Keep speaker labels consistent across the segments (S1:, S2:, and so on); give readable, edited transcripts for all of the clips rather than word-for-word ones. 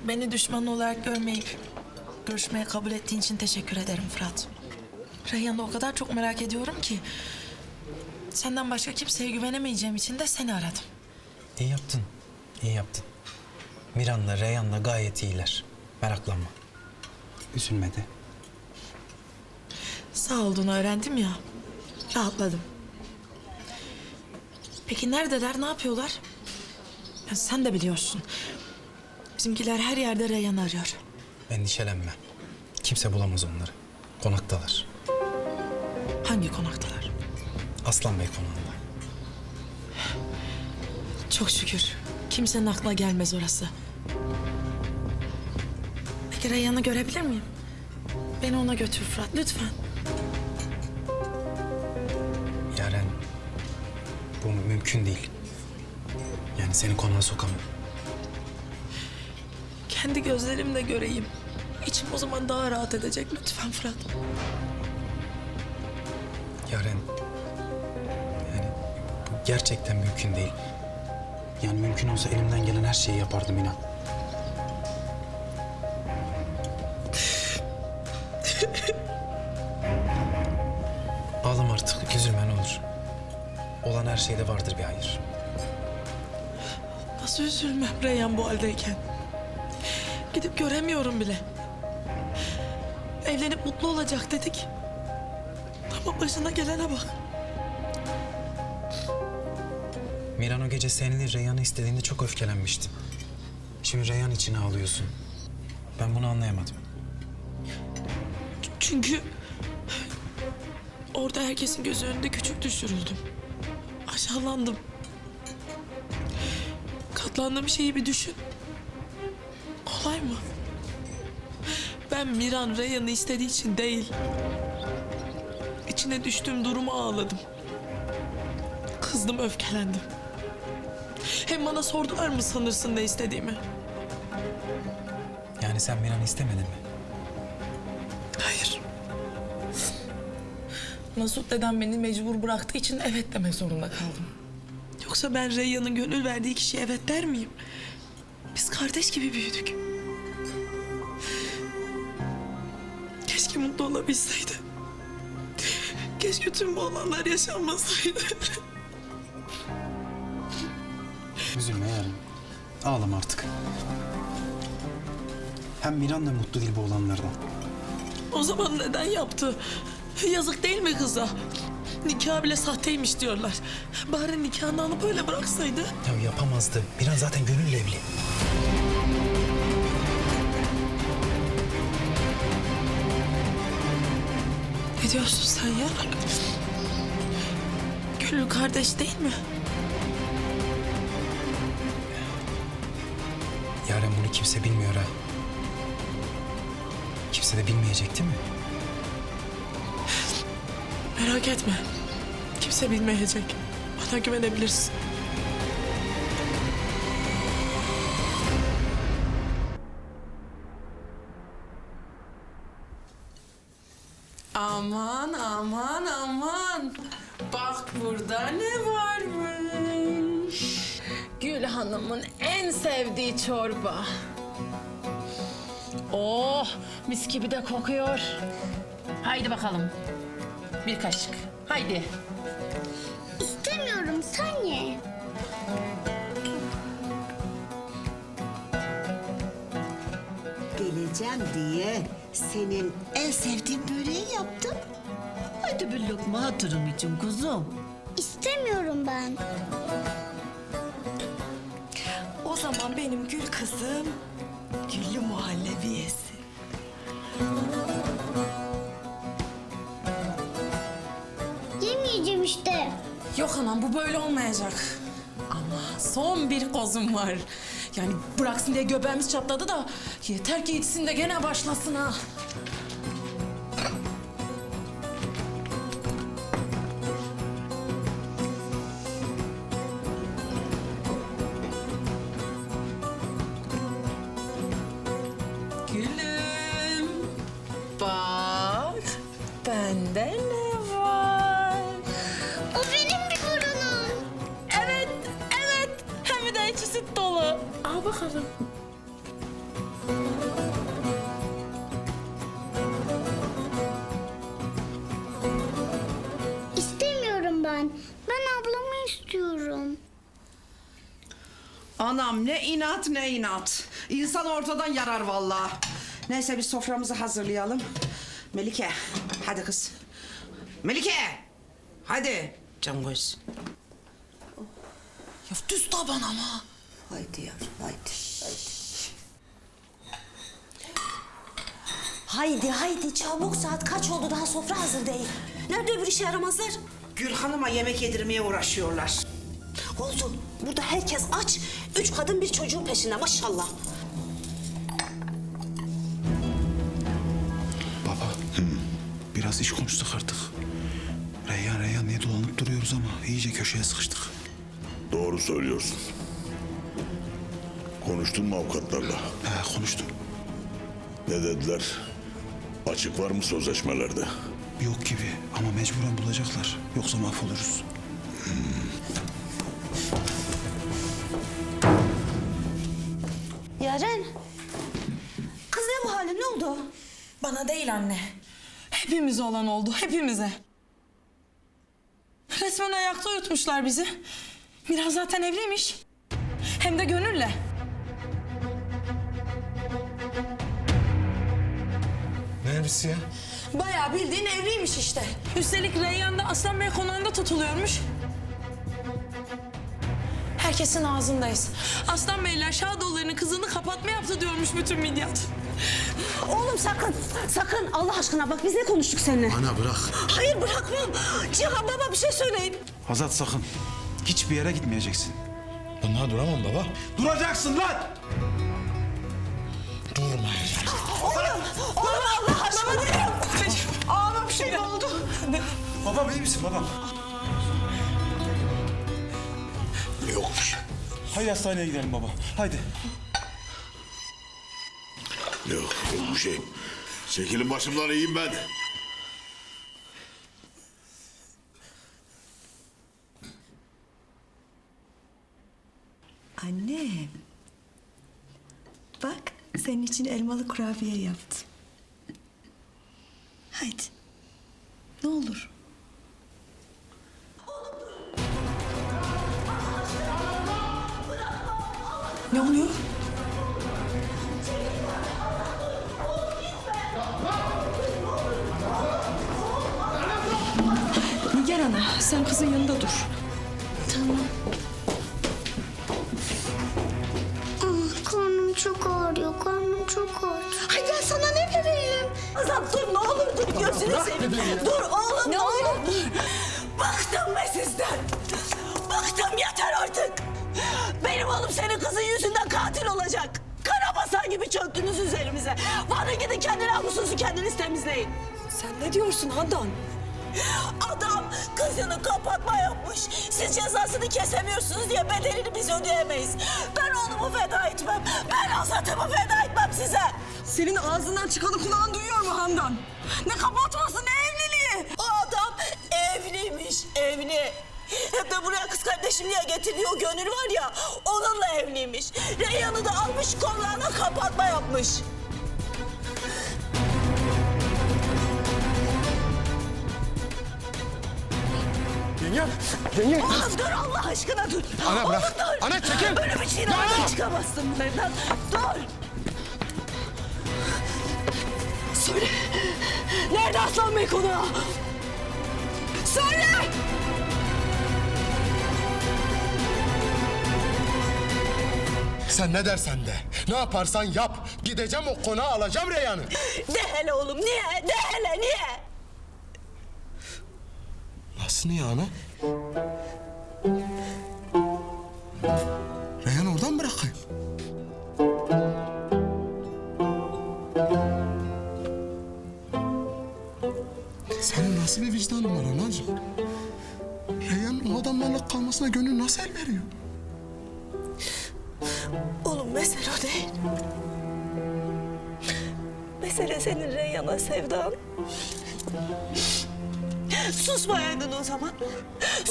S1: Beni düşman olarak görmeyip görüşmeye kabul ettiğin için teşekkür ederim Fırat. Reyhan'ı o kadar çok merak ediyorum ki... ...senden başka kimseye güvenemeyeceğim için de seni aradım.
S2: İyi yaptın, iyi yaptın. Miran'la Reyhan'la gayet iyiler. Meraklanma. Üzülme de.
S1: Sağ olduğunu öğrendim ya, rahatladım. Peki neredeler, ne yapıyorlar? Ya sen de biliyorsun. Bizimkiler her yerde Reyhan'ı arıyor.
S2: Endişelenme. Kimse bulamaz onları. Konaktalar.
S1: Hangi konaktalar?
S2: Aslan Bey konağında.
S1: Çok şükür. Kimsenin aklına gelmez orası. Peki Reyhan'ı görebilir miyim? Beni ona götür Fırat, lütfen.
S2: Yaren, bu mümkün değil. Yani seni konağa sokamam.
S1: Kendi gözlerimle göreyim. İçim o zaman daha rahat edecek. Lütfen Fırat.
S2: Yaren, yani bu gerçekten mümkün değil. Yani mümkün olsa elimden gelen her şeyi yapardım inan. Ağlama artık, üzülme ne olur. Olan her şeyde vardır bir hayır.
S1: Nasıl üzülmem Reyhan bu haldeyken? Gidip göremiyorum bile. Evlenip mutlu olacak dedik. Ama başına gelene bak.
S2: Miran o gece seninle Reyhan'ı istediğinde çok öfkelenmişti. Şimdi Reyhan için ağlıyorsun. Ben bunu anlayamadım.
S1: Çünkü... orada herkesin gözü önünde küçük düşürüldüm. Aşağılandım. Katlandığım şeyi bir düşün. Kolay mı? Ben Miran Reyhan'ı istediği için değil... ...içine düştüğüm duruma ağladım. Kızdım, öfkelendim. Hem bana sordular mı sanırsın ne istediğimi?
S2: Yani sen Miran'ı istemedin mi?
S1: Hayır. Nasut dedem beni mecbur bıraktığı için evet demek zorunda kaldım. Yoksa ben Reyhan'ın gönül verdiği kişiye evet der miyim? Biz kardeş gibi büyüdük. Keşke mutlu olabilseydi. Keşke tüm bu olanlar yaşanmasaydı.
S2: Üzülme Yaren. Ağlama artık. Hem Miran da mutlu değil bu olanlardan.
S1: O zaman neden yaptı? Yazık değil mi kıza? Nikah bile sahteymiş diyorlar. Bari nikahını alıp öyle bıraksaydı.
S2: Ya yapamazdı. Miran zaten gönülle evli.
S1: Ne diyorsun sen ya? Gönül kardeş değil mi?
S2: Yaren bunu kimse bilmiyor ha. Kimse de bilmeyecek değil mi?
S1: Merak etme. Kimse bilmeyecek. Bana güvenebilirsin.
S3: Aman aman aman. Bak burada ne varmış. Gül Hanım'ın en sevdiği çorba. Oh, mis gibi de kokuyor. Haydi bakalım. Bir kaşık. Haydi.
S4: İstemiyorum, sen ye.
S5: Geleceğim diye senin en sevdiğin böreği yaptım. Hadi bir lokma hatırım için kuzum.
S4: İstemiyorum ben.
S6: O zaman benim gül kızım güllü muhallebi yesin.
S4: Yemeyeceğim işte.
S3: Yok anam bu böyle olmayacak. Ama son bir kozum var. Yani bıraksın diye göbeğimiz çatladı da yeter ki içsin de gene başlasın ha. Gülüm, bak bende ne var?
S4: O benim bir burunum.
S3: Evet, evet. Hem de içi süt dolu. Al bakalım.
S4: İstemiyorum ben. Ben ablamı istiyorum.
S7: Anam ne inat ne inat. İnsan ortadan yarar vallahi. Neyse biz soframızı hazırlayalım. Melike hadi kız. Melike hadi can göz.
S3: Ya düz taban ama.
S5: Haydi yavrum haydi.
S8: Haydi haydi çabuk, saat kaç oldu, daha sofra hazır değil. Nerede öbür işe yaramazlar?
S7: Gül Hanım'a yemek yedirmeye uğraşıyorlar.
S8: Olsun, burada herkes aç. 3 kadın bir çocuğun peşinde maşallah.
S2: Baba, biraz iş konuştuk artık. Reyhan diye dolanıp duruyoruz ama iyice köşeye sıkıştık.
S9: Doğru söylüyorsun. Konuştun mu avukatlarla?
S2: Konuştum.
S9: Ne dediler? Açık var mı sözleşmelerde?
S2: Yok gibi ama mecburen bulacaklar. Yoksa mahvoluruz.
S8: Yaren, kız ne bu halin, ne oldu?
S1: Bana değil anne. Hepimize olan oldu, hepimize. Resmen ayakta uyutmuşlar bizi. Biraz zaten evliymiş. Hem de gönülle.
S2: Ne elbisi ya?
S1: Bayağı bildiğin evliymiş işte. Üstelik Reyhan da Aslan Bey konağında tutuluyormuş. Herkesin ağzındayız. Aslan Beyler Şadoğulları'nın kızını kapatma yaptı diyormuş bütün midyat.
S8: Oğlum sakın, sakın Allah aşkına bak, biz ne konuştuk seninle?
S2: Ana bırak.
S8: Hayır bırakmam. Cihan baba bir şey söyleyin.
S2: Hazat sakın. Hiçbir yere gitmeyeceksin.
S10: Ben daha duramam baba.
S2: Duracaksın lan!
S10: Durmayacağım.
S8: Oğlum Allah aşkına.
S7: Ağama bir şey oldu.
S2: Babam iyi misin babam?
S9: Yokmuş.
S2: Haydi hastaneye gidelim baba. Haydi.
S9: Yok bir şey. Çekilin başımdan iyiyim ben.
S6: Anne. Bak senin için elmalı kurabiye yaptım. Haydi. Ne olur.
S1: Ne oluyor?
S6: Nigar ana sen kızın yanında dur.
S4: Karnım çok ağrıyor. Karnım çok ağrıyor.
S8: Ay ben sana ne vereyim? Azat dur, ne olur dur, gözünü seveyim. Dur oğlum, ne olur. Bıktım ben sizden. Bıktım, yeter artık. Benim oğlum senin kızın yüzünden katil olacak. Karabasan gibi çöktünüz üzerimize. Varın gidin kendi namusunuzu kendiniz temizleyin.
S6: Sen ne diyorsun Handan?
S8: Adam kızını kapatma yapmış. Siz cezasını kesemiyorsunuz diye bedelini biz ödeyemeyiz. Ben oğlumu feda etmem. Ben Azat'ımı feda etmem size.
S6: Senin ağzından çıkanı kulağın duyuyor mu Handan? Ne kapatması ne evliliği?
S8: O adam evliymiş, evli. Hem de buraya kız kardeşim diye getirdiği o gönül var ya, onunla evliymiş. Reyhan'ı da almış kollarına kapatma yapmış.
S10: Yenge.
S8: Oğlum dur Allah aşkına dur.
S10: Ana bırak.
S8: Oğlum dur.
S10: Ana çekil.
S8: Böyle bir şeyin ağzına çıkamazsın bunlardan. Dur. Söyle. Nerede Aslan Bey konağı? Söyle.
S10: Sen ne dersen de, ne yaparsan yap. Gideceğim o konağı alacağım Reyhan'ı.
S8: De hele oğlum niye? De hele niye?
S10: Nasıl niye ana? Reyhan oradan bırakayım. Senin nasıl bir vicdanın var anacığım? Reyhan o adamlarla kalmasına gönül nasıl el veriyor?
S8: Oğlum mesele o değil. Mesele senin Reyhan'a sevdan. Susmayaydın o zaman.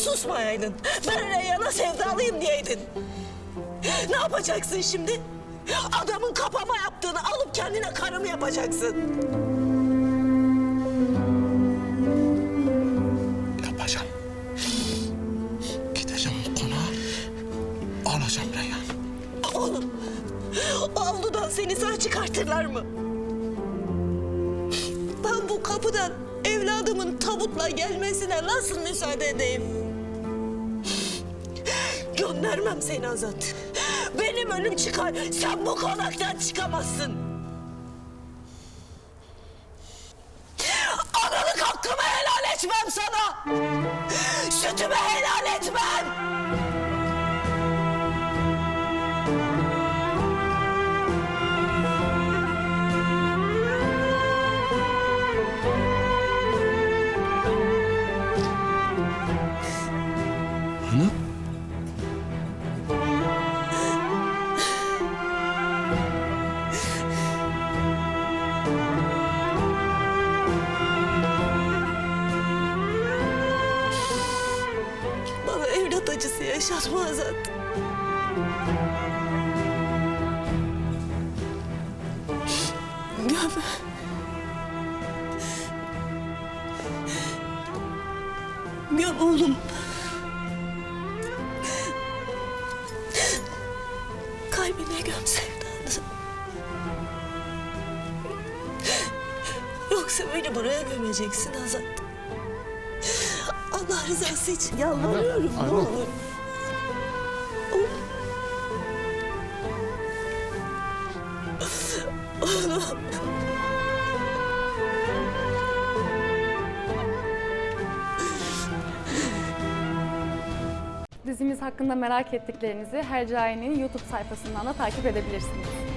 S8: Susmayaydın. Ben Reyhan'a sevdalıyım diyeydin. Ne yapacaksın şimdi? Adamın kapama yaptığını alıp kendine karı mı yapacaksın?
S10: Yapacağım. Gideceğim konağa. Alacağım Reyhan.
S8: Oğlum, o avludan seni sağ çıkartırlar mı? Ben bu kapıdan evladımın tabutla gelmesine nasıl müsaade edeyim? Göndermem seni Azat. Benim önüm çıkar, sen bu konaktan çıkamazsın. Analık hakkımı helal etmem sana. Sütümü helal etmem.
S10: Ana.
S8: Bana evlat acısı yaşatma Azat. Göm. Göm oğlum. Kalbine göm sevdanı. Yoksa beni buraya gömeceksin Azat. Allah rızası için yalvarıyorum ne olur. Oğlum.
S11: Dizimiz hakkında merak ettiklerinizi Hercai'nin YouTube sayfasından da takip edebilirsiniz.